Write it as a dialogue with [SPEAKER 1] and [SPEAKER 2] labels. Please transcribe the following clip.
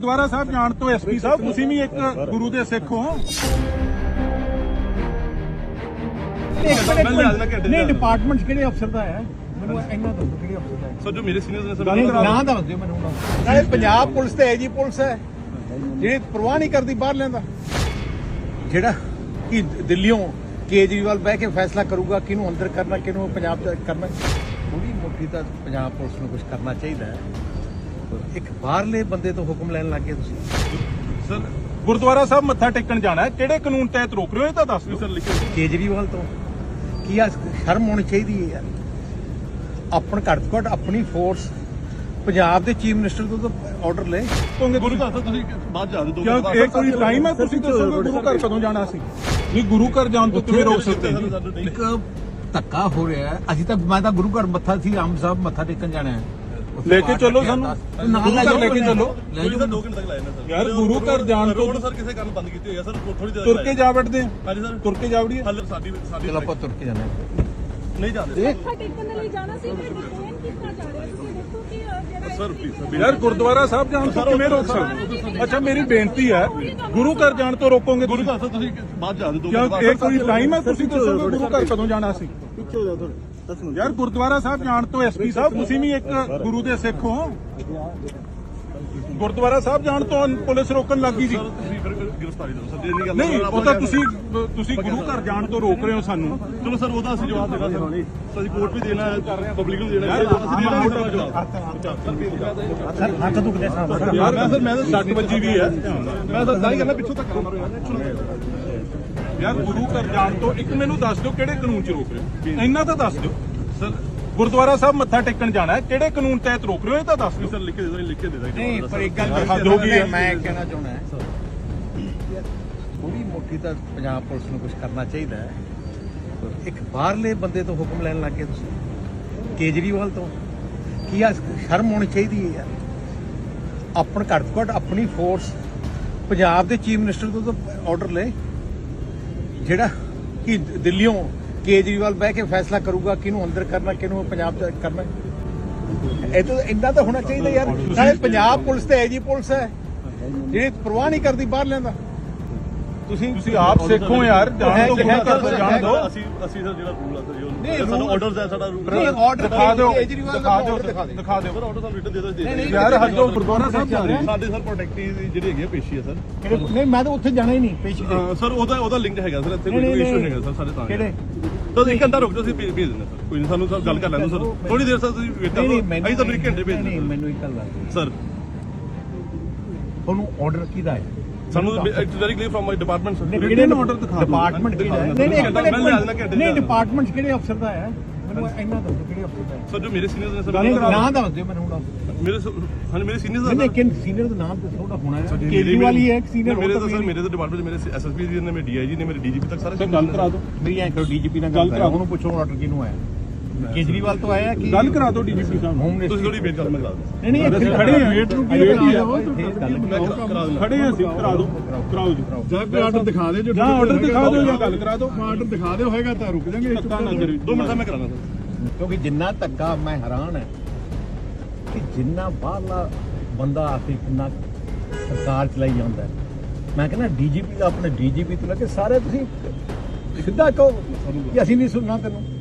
[SPEAKER 1] ਗੁਰਦੁਆਰਾ ਸਾਹਿਬ ਜਾਣ ਤੋਂ ਐਸਪੀ ਸਾਹਿਬ ਤੁਸੀਂ ਵੀ ਇੱਕ ਗੁਰੂ ਦੇ ਸਿੱਖ ਹੋ।
[SPEAKER 2] ਨਹੀਂ ਡਿਪਾਰਟਮੈਂਟ ਕਿਹੜੇ ਅਫਸਰ ਦਾ ਹੈ ਮੈਨੂੰ ਇੰਨਾ ਦੱਸੋ ਕਿਹੜੇ ਅਫਸਰ ਦਾ ਹੈ
[SPEAKER 3] ਸਰ ਜੋ ਮੇਰੇ ਸੀਨੀਅਰਸ ਨੇ ਸਰ
[SPEAKER 2] ਨਾਂ ਦੱਸ ਦਿਓ ਮੈਨੂੰ ਨਾਲੇ ਪੰਜਾਬ ਪੁਲਿਸ ਤੇ ਐਜੀ ਪੁਲਿਸ ਹੈ ਜਿਹੜੀ ਪਰਵਾਹ ਨਹੀਂ ਕਰਦੀ ਬਾਹਰ ਲੈਂਦਾ ਜਿਹੜਾ ਕਿ ਦਿੱਲੀੋਂ ਕੇਜਰੀਵਾਲ ਬਹਿ ਕੇ ਫੈਸਲਾ ਕਰੂਗਾ ਕਿਹਨੂੰ ਅੰਦਰ ਕਰਨਾ ਕਿਹਨੂੰ ਪੰਜਾਬ ਚ ਕਰਨਾ ਥੋੜੀ ਮੋਟੀ ਤਾਂ ਪੰਜਾਬ ਪੁਲਿਸ ਨੂੰ ਕੁਝ ਕਰਨਾ ਚਾਹੀਦਾ ਹੈ। ਇੱਕ ਬਾਹਰਲੇ ਬੰਦੇ ਤੋਂ ਹੁਕਮ ਲੈਣ ਲੱਗ ਗਏ ਤੁਸੀਂ।
[SPEAKER 1] ਸਰ ਗੁਰਦੁਆਰਾ ਸਾਹਿਬ ਮੱਥਾ ਟੇਕਣ ਜਾਣਾ ਹੈ, ਕਿਹੜੇ ਕਾਨੂੰਨ ਤਹਿਤ ਰੋਕ ਰਹੇ ਹੋ ਇਹ ਤਾਂ ਦੱਸ ਦਿਓ ਸਰ। ਲਿਖੋ
[SPEAKER 2] ਕੇਜਰੀਵਾਲ ਤੋਂ ਕੀ ਆ ਸ਼ਰਮ ਹੋਣੀ ਚਾਹੀਦੀ ਹੈ ਯਾਰ। ਆਪਣ ਘੱਟ ਤੋਂ ਘੱਟ ਆਪਣੀ ਫੋਰਸ ਪੰਜਾਬ ਦੇ ਚੀਫ ਮਿਨਿਸਟਰ ਤੋਂ ਤਾਂ ਆਰਡਰ ਲੈ
[SPEAKER 3] ਗੁਰੂ ਘਰ ਤੁਸੀਂ ਬਾਅਦ ਜਾ ਦਿਓ।
[SPEAKER 1] ਕਿਉਂ ਇਹ ਕੋਈ ਟਾਈਮ ਹੈ ਤੁਸੀਂ ਦੱਸੋਗੇ ਗੁਰੂ ਘਰ ਕਦੋਂ ਜਾਣਾ ਸੀ? ਨਹੀਂ ਗੁਰੂ ਘਰ ਜਾਣ ਤੋਂ ਕਿਵੇਂ ਰੋਕ ਸਕਦੇ ਜੀ?
[SPEAKER 2] ਇੱਕ ਧੱਕਾ ਹੋ ਰਿਹਾ ਹੈ। ਅਸੀਂ ਤਾਂ ਮੈਂ ਤਾਂ ਗੁਰੂ ਘਰ ਮੱਥਾ ਸੀ ਆਮ ਸਾਹਿਬ ਮੱਥਾ ਟੇਕਣ ਜਾਣਾ ਹੈ।
[SPEAKER 1] ਲੈ ਕੇ ਚੱਲੋ ਸਾਨੂੰ
[SPEAKER 2] ਨਾਲ ਲੈ
[SPEAKER 1] ਲੈ ਕੇ ਚੱਲੋ
[SPEAKER 3] ਸਰ 2 ਘੰਟੇ ਤੱਕ ਲਾਇਆ ਨਾ ਸਰ
[SPEAKER 1] ਯਾਰ ਗੁਰੂ ਘਰ ਜਾਣ ਤੋਂ
[SPEAKER 3] ਰੋਡ ਸਰ ਕਿਸੇ ਕਾਰਨ ਬੰਦ ਕੀਤੀ ਹੋਈ ਹੈ ਸਰ ਥੋੜੀ ਦੇਰ
[SPEAKER 1] ਤੁਰ ਕੇ ਜਾ ਵੜਦੇ ਆ।
[SPEAKER 3] ਹਾਂਜੀ ਸਰ
[SPEAKER 1] ਤੁਰ ਕੇ ਜਾ ਵੜੀਏ
[SPEAKER 3] ਹੱਲ ਸਾਡੀ
[SPEAKER 2] ਚਲ ਆਪਾਂ ਤੁਰ ਕੇ ਜਾਣਾ
[SPEAKER 3] ਨਹੀਂ ਜਾਂਦੇ
[SPEAKER 4] ਮੱਥਾ ਟੇਕਣ ਦੇ ਲਈ ਜਾਣਾ ਸੀ ਫਿਰ ਡਿਟੇਨ ਕੀਤਾ ਜਾ ਰਿਹਾ ਤੁਸੀਂ ਦੇਖੋ ਕਿ ਜਿਹੜਾ
[SPEAKER 3] ਸਰ ਪਲੀਜ਼
[SPEAKER 1] ਯਾਰ ਗੁਰਦੁਆਰਾ ਸਾਹਿਬ ਜਾਣ ਤੋਂ ਕਿਵੇਂ ਰੋਕ ਸਕਦੇ? ਅੱਛਾ ਮੇਰੀ ਬੇਨਤੀ ਹੈ ਗੁਰੂ ਘਰ ਜਾਣ ਤੋਂ ਰੋਕੋਗੇ
[SPEAKER 3] ਗੁਰੂ ਘਰ ਤੁਸੀਂ ਬਾਅਦ ਜਾ ਦਿਓ।
[SPEAKER 1] ਕਿਉਂ ਇਹ ਕੋਈ ਟਾਈਮ ਹੈ ਤੁਸੀਂ ਦੱਸੋਗੇ ਗੁਰੂ ਘਰ ਕਦੋਂ ਜਾਣਾ ਸੀ? ਪਿੱਛੇ ਹੋ ਜਾ ਥੋੜਾ ਯਾਰ ਗੁਰਦੁਆਰਾ ਸਾਹਿਬ ਜਾਣ ਤੋਂ ਐਸਪੀ ਸਾਹਿਬ ਤੁਸੀਂ ਵੀ ਇੱਕ ਗੁਰੂ ਦੇ ਸਿੱਖ ਹੋ। ਗੁਰਦੁਆਰਾ ਸਾਹਿਬ ਜਾਣ ਤੋਂ ਪੁਲਿਸ ਰੋਕਣ ਲੱਗੀ ਸੀ।
[SPEAKER 3] ਤੁਸੀਂ ਫਿਰ ਗ੍ਰਿਫਤਾਰੀ ਦਿਓ ਸਰ ਇਹ ਨਹੀਂ ਗੱਲ
[SPEAKER 1] ਨਹੀਂ ਉਹ ਤਾਂ ਤੁਸੀਂ ਗੁਰੂ ਘਰ ਜਾਣ ਤੋਂ ਰੋਕ ਰਹੇ ਹੋ ਸਾਨੂੰ।
[SPEAKER 3] ਚਲੋ ਸਰ ਉਹਦਾ ਅਸੀਂ ਜਵਾਬ ਦੇਣਾ ਸਰ ਅਸੀਂ ਕੋਰਟ ਵੀ ਦੇਣਾ ਹੈ ਪਬਲਿਕ ਨੂੰ ਦੇਣਾ ਹੈ
[SPEAKER 2] ਹੱਥ ਦੁਖਦੇ ਸਾਹਿਬ
[SPEAKER 1] ਯਾਰ ਮੈਂ ਤਾਂ 60 ਵਜੇ ਵੀ ਹੈ
[SPEAKER 3] ਮੈਂ ਤਾਂ ਦਾਈ ਕਰਨਾ ਪਿੱਛੋਂ ਤੱਕ ਮਾਰੋ
[SPEAKER 1] ਯਾਰ ਗੁਰੂ ਘਰ ਜਾਣ ਤੋਂ ਇੱਕ ਮੈਨੂੰ ਦੱਸ ਦਿਓ ਕਿਹੜੇ ਕਾਨੂੰਨ 'ਚ ਰੋਕ ਰਹੇ ਹੋ? ਇੰਨਾ ਤਾਂ ਦੱਸ ਦਿਓ ਸਰ। ਗੁਰਦੁਆਰਾ ਸਾਹਿਬ ਮੱਥਾ ਟੇਕਣ ਜਾਣਾ ਹੈ, ਕਿਹੜੇ ਕਾਨੂੰਨ ਤਹਿਤ ਰੋਕ ਰਹੇ ਹੋ ਇਹ ਤਾਂ ਦੱਸ ਦਿਓ
[SPEAKER 3] ਸਰ ਲਿਖ ਕੇ ਦੇ ਦੋ
[SPEAKER 2] ਨਹੀਂ ਪਰ ਇੱਕ ਗੱਲ
[SPEAKER 1] ਹੱਦ ਹੋ ਗਈ ਹੈ।
[SPEAKER 2] ਮੈਂ ਕਹਿਣਾ ਚਾਹੁੰਦਾ ਥੋੜੀ ਮੋਟੀ ਤਾਂ ਪੰਜਾਬ ਪੁਲਿਸ ਨੂੰ ਕੁਝ ਕਰਨਾ ਚਾਹੀਦਾ ਹੈ। ਇੱਕ ਬਾਹਰਲੇ ਬੰਦੇ ਤੋਂ ਹੁਕਮ ਲੈਣ ਲੱਗ ਗਏ ਤੁਸੀਂ ਕੇਜਰੀਵਾਲ ਤੋਂ ਕੀ ਆ ਸ਼ਰਮ ਹੋਣੀ ਚਾਹੀਦੀ ਹੈ ਯਾਰ। ਆਪਣ ਘੱਟ ਤੋਂ ਘੱਟ ਆਪਣੀ ਫੋਰਸ ਪੰਜਾਬ ਦੇ ਚੀਫ ਮਿਨਿਸਟਰ ਤੋਂ ਤਾਂ ਆਰਡਰ ਲੈ ਜਿਹੜਾ ਕਿ ਦਿੱਲੀੋਂ ਕੇਜਰੀਵਾਲ ਬਹਿ ਕੇ ਫੈਸਲਾ ਕਰੂਗਾ ਕਿਹਨੂੰ ਅੰਦਰ ਕਰਨਾ ਕਿਹਨੂੰ ਪੰਜਾਬ ਚ ਕਰਨਾ ਇਹ ਤਾਂ ਇੰਨਾ ਤਾਂ ਹੋਣਾ ਚਾਹੀਦਾ ਯਾਰ। ਨਾਲੇ ਪੰਜਾਬ ਪੁਲਿਸ ਤੇ ਐਜੀ ਪੁਲਿਸ ਹੈ ਜਿਹੜੀ ਪਰਵਾਹ ਨਹੀਂ ਕਰਦੀ ਬਾਹਰ ਲੈਂਦਾ
[SPEAKER 1] ਤੁਸੀਂ ਆਪ ਸਿੱਖੋ ਯਾਰ ਜਾਣ ਤੋਂ ਗੁਰੂ ਘਰ ਤੋਂ ਜਾਣ ਦਿਓ।
[SPEAKER 3] ਅਸੀਂ ਸਰ ਜਿਹੜਾ ਰੂਲ ਆ ਸਰ ਸਾਨੂੰ ਆਰਡਰਸ ਹੈ ਸਾਡਾ ਰੂਲ
[SPEAKER 2] ਆਰਡਰ
[SPEAKER 1] ਦਿਖਾ ਦਿਓ
[SPEAKER 2] ਕੇਜਰੀਵਾਲ ਦਾ ਆਰਡਰ ਦਿਖਾ ਦੇ
[SPEAKER 1] ਦਿਖਾ ਦਿਓ
[SPEAKER 3] ਸਰ ਆਰਡਰ ਸਾਨੂੰ ਰਿਟਨ ਦੇ ਦਿਓ
[SPEAKER 1] ਯਾਰ ਹੱਦੋਂ ਗੁਰਦੁਆਰਾ ਸਾਹਿਬ ਜਾ ਰਹੇ
[SPEAKER 3] ਸਾਡੇ ਸਰ ਪ੍ਰੋਟੈਕਟੀ ਜਿਹੜੀ ਹੈਗੀ ਪੇਸ਼ੀ ਹੈ ਸਰ
[SPEAKER 2] ਨਹੀਂ ਮੈਂ ਤਾਂ ਉੱਥੇ ਜਾਣਾ ਹੀ ਨਹੀਂ ਪੇਸ਼ੀ ਤੇ
[SPEAKER 3] ਸਰ ਉਹਦਾ ਲਿੰਕ ਹੈਗਾ ਸਰ ਇੱਥੇ ਕੋਈ ਇਸ਼ੂ ਨਹੀਂ ਹੈਗਾ ਸਰ ਸਾਡੇ ਤਾਂ
[SPEAKER 2] ਕਿਹੜੇ
[SPEAKER 3] ਤਾਂ 1 ਘੰਟਾ ਰੁਕ ਜਾਓ ਅਸੀਂ ਭੇਜ ਦਿੰਦੇ ਸਰ ਕੋਈ ਨਹੀਂ ਸਾਨੂੰ ਸਰ ਗੱਲ ਕਰ ਲੈਣ ਦਿਓ ਸਰ ਥੋੜੀ ਦੇਰ ਸਰ ਤੁਸੀਂ ਵੇਟ ਕਰੋ ਅਸੀਂ ਤੁਹਾਨੂੰ 1 ਘੰਟੇ ਭੇਜ
[SPEAKER 2] ਨਹੀਂ
[SPEAKER 3] ਦਿੰਦੇ
[SPEAKER 2] ਮੈਨੂੰ ਇੱਕ ਗੱਲ ਦੱਸ
[SPEAKER 3] ਸਰ
[SPEAKER 2] ਤੁਹਾਨੂੰ ਆਰਡਰ ਕਿਹਦਾ ਹੈ
[SPEAKER 3] ਸਾਨੂੰ it's very clear from my department sir
[SPEAKER 1] written order ਦਿਖਾ ਦਿਓ।
[SPEAKER 2] ਡਿਪਾਰਟਮੈਂਟ ਕਿਹੜਾ ਹੈ ਨਹੀਂ ਨਹੀਂ ਡਿਪਾਰਟਮੈਂਟ ਕਿਹੜੇ ਅਫਸਰ ਦਾ ਹੈ ਮੈਨੂੰ ਇੰਨਾ ਦੱਸੋ ਕਿਹੜੇ ਅਫਸਰ ਦਾ ਹੈ
[SPEAKER 3] ਸਰ ਜੋ ਮੇਰੇ ਸੀਨੀਅਰਸ ਨੇ ਸਰ
[SPEAKER 2] ਨਾਂ ਦੱਸ ਦਿਓ ਮੈਨੂੰ ਹੁਣ
[SPEAKER 3] ਮੇਰੇ ਹਾਂਜੀ ਮੇਰੇ ਸੀਨੀਅਰਸ
[SPEAKER 2] ਨਹੀਂ ਕਿਨ ਸੀਨੀਅਰ ਦਾ ਨਾਮ ਦੱਸੋ ਉਹਦਾ ਹੋਣਾ ਹੈ ਕੇਜਰੀਵਾਲ ਹੀ ਹੈ ਇੱਕ ਸੀਨੀਅਰ
[SPEAKER 3] ਮੇਰੇ ਤਾਂ ਸਰ ਮੇਰੇ ਤਾਂ ਡਿਪਾਰਟਮੈਂਟ ਮੇਰੇ ਐਸਐਸਪੀ ਜੀ ਨੇ ਮੇਰੇ ਡੀਆਈਜੀ ਨੇ ਮੇਰੇ ਡੀਜੀਪੀ ਤੱਕ ਸਾਰੇ
[SPEAKER 1] ਗੱਲ ਕਰਾ ਦਿਓ
[SPEAKER 2] ਮੇਰੀ ਐਂ ਕਰੋ ਡੀਜੀਪੀ ਨਾਲ ਗੱਲ ਕਰਾਓ ਉਹਨੂੰ ਪੁੱਛੋ ਆਰਡਰ ਕਿਹਨੂੰ ਆਇਆ ਕੇਜਰੀਵਾਲ ਤੋਂ ਆਇਆ ਕਿ
[SPEAKER 1] ਗੱਲ ਕਰਾ ਦਿਓ ਡੀਜੀਪੀ ਸਾਹਿਬ
[SPEAKER 2] ਹੋਮ
[SPEAKER 3] ਤੁਸੀਂ ਥੋੜੀ ਵੇਟ ਕਰੋ ਮੈਂ ਕਰਾ ਦਿੰਦਾ
[SPEAKER 2] ਨਹੀਂ ਨਹੀਂ ਇੱਥੇ
[SPEAKER 1] ਖੜੇ ਹਾਂ ਵੇਟ ਨੂੰ ਕੀ
[SPEAKER 2] ਵੇਟ ਹੀ
[SPEAKER 1] ਕਰਾ
[SPEAKER 2] ਆ।
[SPEAKER 1] ਖੜੇ ਹਾਂ ਅਸੀਂ ਕਰਾ ਦਿਓ ਕਰਾਓ ਜੀ
[SPEAKER 5] ਜਾਂ ਕੋਈ ਆਰਡਰ ਦਿਖਾ ਦੇ
[SPEAKER 1] ਜਾਂ ਆਰਡਰ ਦਿਖਾ ਦਿਓ ਜਾਂ ਗੱਲ ਕਰਾ ਦਿਓ
[SPEAKER 5] ਆਰਡਰ ਦਿਖਾ ਦਿਓ ਹੋਏਗਾ ਤਾਂ ਰੁਕ ਜਾਾਂਗੇ
[SPEAKER 1] ਧੱਕਾ ਨਾ ਕਰੀ
[SPEAKER 3] 2 ਮਿੰਟ ਦਾ ਮੈਂ ਕਰਾਣਾ ਸਰ
[SPEAKER 2] ਕਿਉਂਕਿ ਜਿੰਨਾ ਧੱਕਾ ਮੈਂ ਹੈਰਾਨ ਹੈ ਕਿ ਜਿੰਨਾ ਬਾਹਰਲਾ ਬੰਦਾ ਆ ਕੇ ਕਿੰਨਾ ਸਰਕਾਰ ਚਲਾਈ ਜਾਂਦਾ ਹੈ। ਮੈਂ ਕਹਿੰਦਾ ਡੀਜੀਪੀ ਦਾ ਆਪਣੇ ਡੀਜੀਪੀ ਤੋਂ ਲੈ ਕੇ ਸਾਰੇ ਤੁਸੀਂ ਸਿੱਧਾ ਕਹੋ ਕਿ ਅਸੀਂ ਨਹੀਂ ਸੁਣਨਾ ਤੈਨੂੰ